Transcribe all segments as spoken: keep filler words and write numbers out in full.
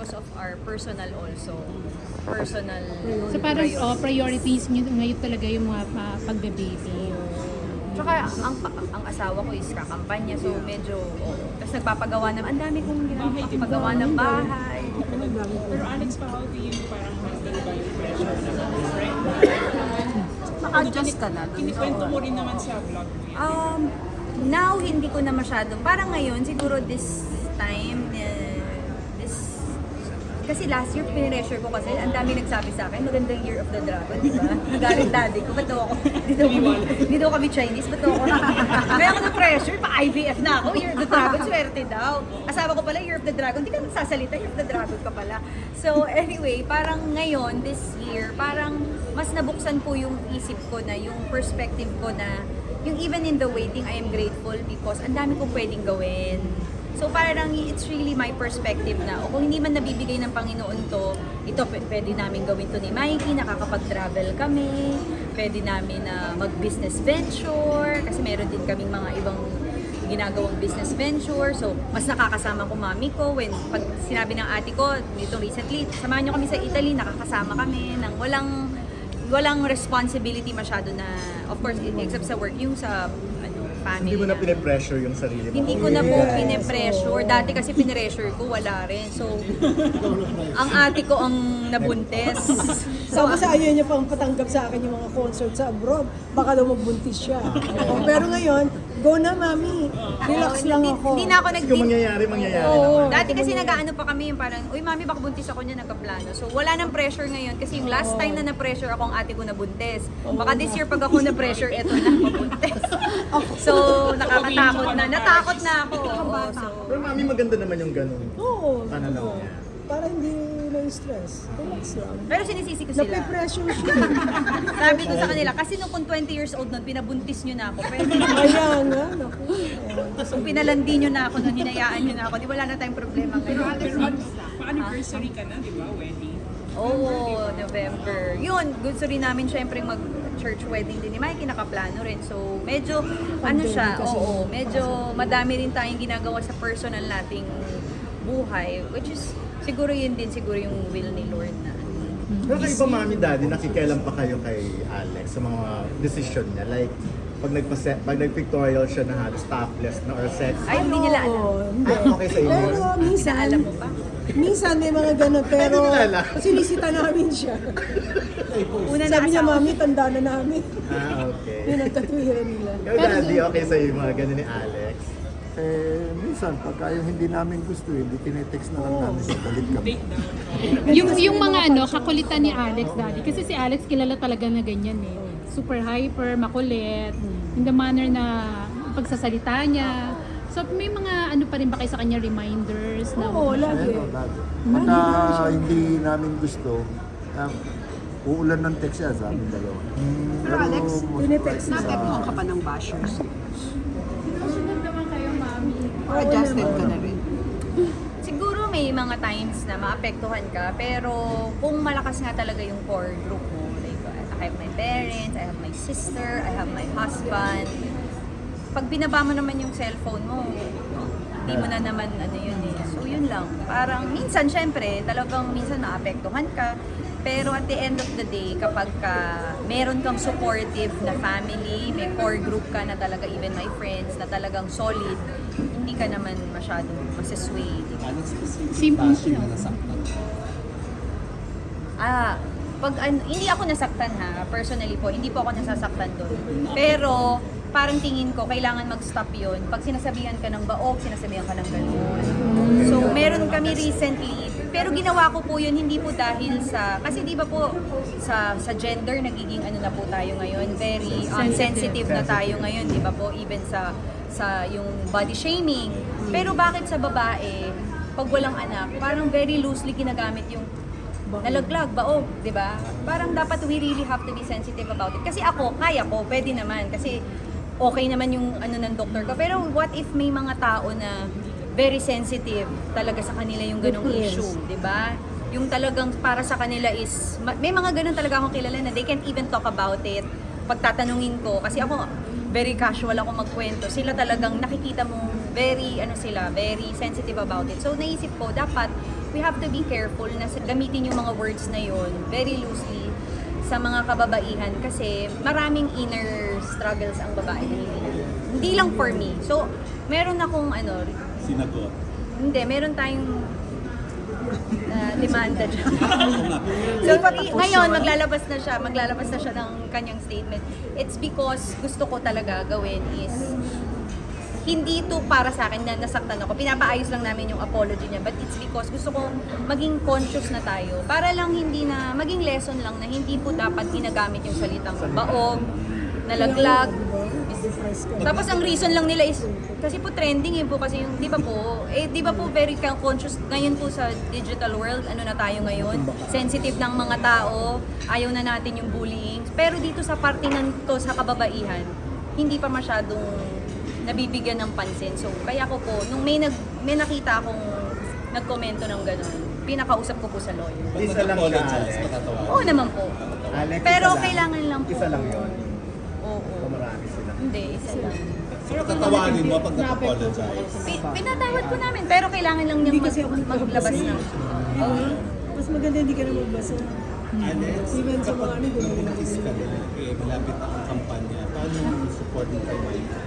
because of our personal also. Personal So parang priorities. oh, priorities nyo ngayon talaga yung mga uh, pagbe-baby. Tsaka ang, ang asawa ko is kakampanya, so medyo, oh. Tapos nagpapagawa ng, ang dami kong ginagawa ng bahay. Pero Alex, pa, how do you parang handle ba yung pressure na friend? Maka-adjust ka na. Kinikwento mo rin naman sa vlog mo yan. Um, now, hindi ko na masyadong, parang ngayon, siguro this time, eh, this, kasi last year, pinressure ko kasi, ang dami nagsabi sa akin, magandang Year of the Dragon, di ba? Nagalit daddy ko, ba't daw ako, di daw kami, di daw kami Chinese, ba't daw ako, kaya ako na-pressure, pa-I V F na ako, Year of the Dragon, swerte daw. Asawa ko pala, Year of the Dragon, di ka nagsasalita, Year of the Dragon ka pala. So anyway, parang ngayon, this year, parang mas nabuksan po yung isip ko na, yung perspective ko na, yung even in the waiting, I am grateful because ang dami kong pwedeng gawin. So parang it's really my perspective na, o kung hindi man nabibigay ng Panginoon to, ito p- pwede namin gawin to ni Mikey, nakakapag-travel kami, pwede namin na mag-business venture, kasi meron din kaming mga ibang ginagawang business venture. So, mas nakakasama ko mami ko when pag sinabi ng ate ko dito recently, samahan niyo kami sa Italy, nakakasama kami ng walang walang responsibility masyado na, of course, except sa work, yung sa ano, family. Hindi mo na na. pine-pressure yung sarili mo. Hindi ko na po pine-pressure. Dati kasi pine-pressure ko, wala rin. So, ang ate ko ang nabuntis. So, kasi ayaw niya pang patanggap sa akin yung mga concert sa abroad. Baka daw magbuntis siya. Oh, pero ngayon, go na mami. Relax lang Hindi- ako. Hindi na ako nag Kung mangyayari, mangyayari Oo. naman. Dati kasi nag-ano pa kami yung parang, uy mami baka buntis ako niya, nagka-plano. So wala nang pressure ngayon kasi yung last time na na-pressure ako ang ate ko na buntis. Baka this year pag ako na-pressure, eto na mabuntis. So nakakatakot na. Natakot na ako. Oo, so, Pero mami, maganda naman yung ganun. Oo. Pananaw oo. niya. Para hindi na-stress. Relax lang. pero sinisisi ko sila. Nape-pressure siya. Sabi ko sa kanila, kasi nung kung twenty years old nun, pinabuntis nyo na ako. Pwede na. Kaya nga, naku. Kung pinalandi nyo na ako nun, hinayaan nyo na ako, di wala na tayong problema Pero ngayon. Alex, pa-anniversary ka na, di ba? Wedding. Oo, November. Yun, gusto rin namin syempre mag church wedding din ni Mikey, nakaplano rin. So, medyo, ano siya, oo, medyo madami rin tayong ginagawa sa personal nating buhay, which is, siguro yun din, siguro yung will ni Lord na. Pero kayo ba, mami, daddy, nakikialam pa kayo kay Alex sa mga decision niya? Like, pag nagpase pag nag-pictorial siya na halos topless na or sex, Ay, hindi nila alam. Oo, hindi. ay, okay sa inyo? Pero minsan, Inaalam mo pa? minsan may mga ganun, pero Ay, hindi nila alam. sinisita namin siya. Una na Sabi niya, asawa. mami, tanda na namin. Ah, okay. Yun ang tatuwiran nila. Pero daddy, okay sa yung mga ganun ni Alex? Eh, minsan, pagka yung hindi namin gusto, hindi tinetext na lang namin sa galit kami. Take down. Yung yung mga ano, kakulitan ni Alex daddy. Kasi si Alex kilala talaga na ganyan eh. Super hyper, makulit, in the manner na pagsasalita niya. So may mga ano pa rin ba kayo sa kanya reminders na Oo, lagi. Ayan, o, lagi. Pagka hindi namin gusto, um, uulan ng text siya sa amin dalawa. Pero Alex, most tinetext likely, naapektuhan ah, ka pa ng bashers. Kasunod naman kayo, mami. Or adjusted ka na rin. Siguro may mga times na maapektuhan ka, pero kung malakas nga talaga yung core group mo, like I have my parents, I have my sister, I have my husband. Pag binaba mo naman yung cellphone mo, hindi mo na naman ano yun eh. So yun lang. Parang minsan syempre, talagang minsan maapektuhan ka. Pero at the end of the day, kapag ka meron kang supportive na family, may core group ka na talaga, even my friends, na talagang solid, hindi ka naman masyadong masasway. Diba? Simple siya. Ah, pag an, hindi ako nasaktan ha, personally po, hindi po ako nasasaktan doon. Pero parang tingin ko, kailangan mag-stop yun. Pag sinasabihan ka ng baog, sinasabihan ka ng gano'n. So, meron kami recently, pero ginawa ko po yun, hindi po dahil sa, kasi di ba po, sa sa gender, nagiging ano na po tayo ngayon, very um, sensitive na tayo ngayon, di ba po, even sa sa yung body shaming. Pero bakit sa babae, pag walang anak, parang very loosely ginagamit yung nalaglag, baog, di ba? Parang dapat we really have to be sensitive about it. Kasi ako, kaya ko, pwede naman. Kasi okay naman yung ano ng doktor ko. Pero what if may mga tao na very sensitive talaga sa kanila yung ganong Yes. issue, di ba? Yung talagang para sa kanila is, ma- may mga ganon talaga akong kilala na they can't even talk about it. Pagtatanungin ko, kasi ako, very casual ako magkwento. Sila talagang nakikita mo, very, ano sila, very sensitive about it. So naisip ko, dapat we have to be careful na sa- gamitin yung mga words na yun very loosely sa mga kababaihan kasi maraming inner struggles ang babae. Hindi lang for me. So, meron akong ano, Sinagot. hindi, meron tayong uh, demanda dyan. So, i- ngayon, maglalabas na siya, maglalabas na siya ng kanyang statement. It's because gusto ko talaga gawin is hindi ito para sa akin na nasaktan ako. Pinapaayos lang namin yung apology niya. But it's because gusto ko maging conscious na tayo. Para lang hindi na, maging lesson lang na hindi po dapat ginagamit yung salitang baog, nalaglag. Tapos ang reason lang nila is, kasi po trending eh po kasi yung, di ba po, eh di ba po very conscious ngayon po sa digital world, ano na tayo ngayon, sensitive ng mga tao, ayaw na natin yung bullying. Pero dito sa parte ng to sa kababaihan, hindi pa masyadong nabibigyan ng pansin. So, kaya ko po, nung may, nag, may nakita akong nagkomento ng gano'n, pinakausap ko po sa lawyer. Isa lang siya, Alex. Oo naman po. Alex, Pero isa lang. kailangan lang po. Isa lang yun. Oo. O marami sila. Hindi, isa lang. So, tatawanin mo pag nag-apologize. Pi- pinatawad ko namin, pero kailangan lang niyang Hindi mag- kasi ako maglabas nagbabasa. ng... Diba? Mas maganda hindi ka na magbasa. Alex, Even sa mga ano, gano'n. kapag ka na, eh, malapit na ang kampanya. Paano yung support mo kay Mike?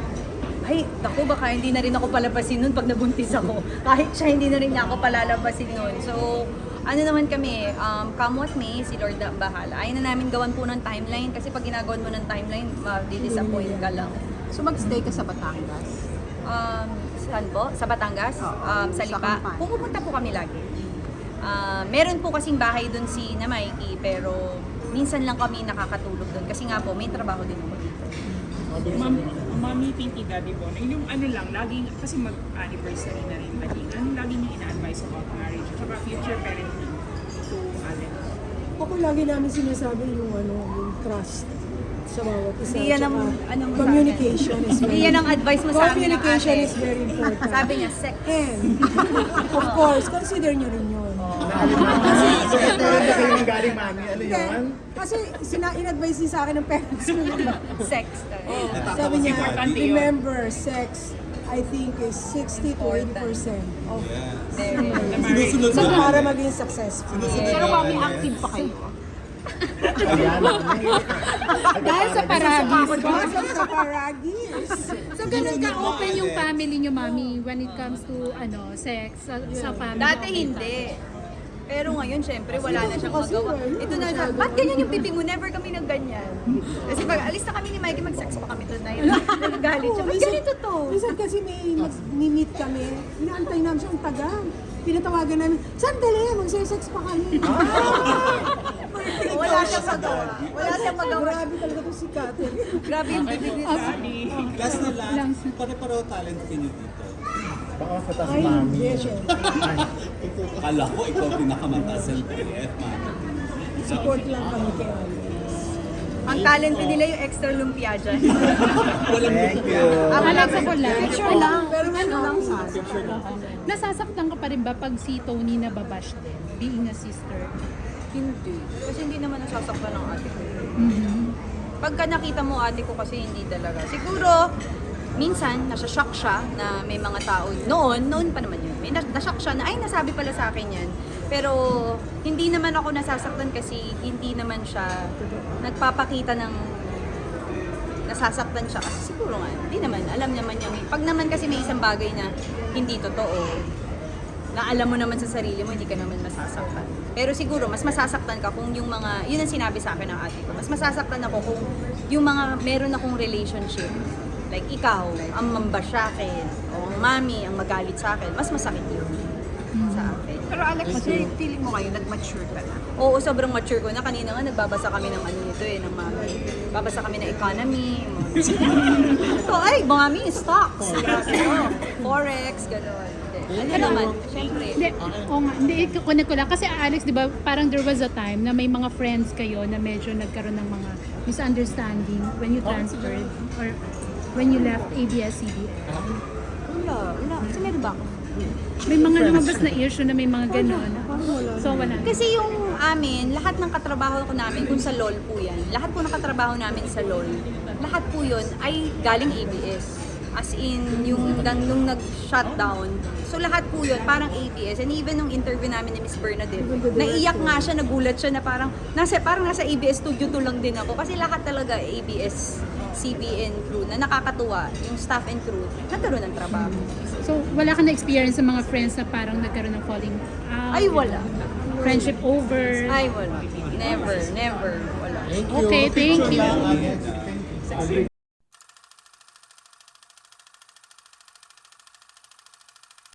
Ay, naku, baka hindi na rin ako palabasin nun pag nabuntis ako. Kahit siya, hindi na rin niya ako palalabasin nun. So, ano naman kami, um, come what may, si Lord na ang bahala. Ayaw na namin gawan po ng timeline kasi pag ginagawan mo ng timeline, ma-disappoint ka lang. So mag-stay ka sa Batangas? Um, saan po? Sa Batangas? Um, sa sa Lipa? Kampan. Pumupunta po kami lagi. Ah, meron po kasing bahay dun si na Mikey, pero minsan lang kami nakakatulog dun kasi nga po, may trabaho din ako dito. Ma'am, Mami Pinky Daddy Bon, yung ano lang, laging, kasi mag-anniversary na rin lagi, anong lagi niyo ina-advise about marriage at saka future parenting to Alex? Ako lagi namin sinasabi yung ano, yung trust sa bawat isa. Hindi yan ang- Tsaka ano mo sa communication is Hindi very yan ang advice mo sa amin ng Communication ate. is very important. Sabi niya, sex. And, of course, consider nyo rin yun. Kasi, so, ito rin na kayo ng galing, mami. Ano Hindi, yun? kasi sina in-advise din sa akin ng parents ko. Sex. Sabi niya, remember, sex, I think is sixty to eighty percent of Sinusunod so, mo. para maging successful. Pero Mami, active pa kayo? Ayan. Dahil sa paragis. Pasok sa paragis. So, ganun ka-open yung family nyo, mami, when it comes to, ano, sex, sa, sa family. Dati hindi. Pero ngayon, syempre, wala na siyang Kasi magawa. wala, Ito na siya. Ba't ganyan yung pipi mo? Never kami nagganyan. Kasi pag alis na kami ni Mikey, mag-sex pa kami tonight. Nagagalit siya. Ba't ganito to? Minsan kasi may mag-meet kami, inaantay namin siya ang tagal. Pinatawagan namin, sandali, magse-sex pa kami. Wala siyang magawa. Wala siyang magawa. Grabe talaga to si Catherine. Grabe yung bibig ni Daddy. Last na last, pare-pareho talent kayo dito. Baka sa taas, Ay, mami. hindi, syempre. Akala ko ikaw pinakamataas L P F, Mami. Support lang kami kay Alex. Ang talent nila yung extra lumpia dyan. Thank you. Alex, ako lang. Picture lang. Pero ano lang sa Nasasaktan ka pa rin ba pag si Tony nababash din, being a sister? Hindi. Kasi hindi naman nasasaktan ng ate ko. Mm-hmm. Pagka nakita mo ate ko kasi hindi talaga. Siguro, minsan, nasa-shock siya na may mga tao. Noon, noon pa naman yun. May nas- na-shock siya na, ay, nasabi pala sa akin yan. Pero, hindi naman ako nasasaktan kasi hindi naman siya nagpapakita ng nasasaktan siya. Kasi siguro nga, hindi naman. Alam naman niya. Pag naman kasi may isang bagay na hindi totoo, na alam mo naman sa sarili mo, hindi ka naman masasaktan. Pero siguro, mas masasaktan ka kung yung mga, yun ang sinabi sa akin ng ate ko, mas masasaktan ako kung yung mga meron akong relationship. Like ikaw, ang mambash sa akin, o ang mami, ang magalit sa akin, mas masakit yun sa akin. Pero Alex, feeling mo ngayon, nag-mature ka na. Oo, sobrang mature ko na. Kanina nga, nagbabasa kami ng ano nito eh, ng mami. Babasa kami ng economy. So, ay, mami, stocks. Oh, forex, gano'n. Ano naman, syempre. Hindi, oo nga, hindi, kukunin ko lang. Kasi Alex, di ba, parang there was a time na may mga friends kayo na medyo nagkaroon ng mga misunderstanding when you transferred or when you left A B S C B N. Wala, wala. Kasi meron ba ako? May mga lumabas na issue na may mga gano'n. So, wala. Kasi yung amin, lahat ng katrabaho ko namin, kung sa LOL po yan, lahat po ng katrabaho namin sa LOL, lahat po yun ay galing A B S. As in, yung nang- nung nag-shutdown. So lahat po yun, parang A B S. And even nung interview namin ni Miss Bernadette, naiyak nga siya, nagulat siya na parang nasa, parang nasa A B S Studio two lang din ako. Kasi lahat talaga A B S C B N crew na nakakatuwa, yung staff and crew, nagkaroon ng trabaho. So, wala ka na-experience sa mga friends na parang nagkaroon ng falling out? Ay, wala. Friendship over? Ay, wala. Never, never. Wala. Thank you. Okay, thank Picture you. lang, Alex.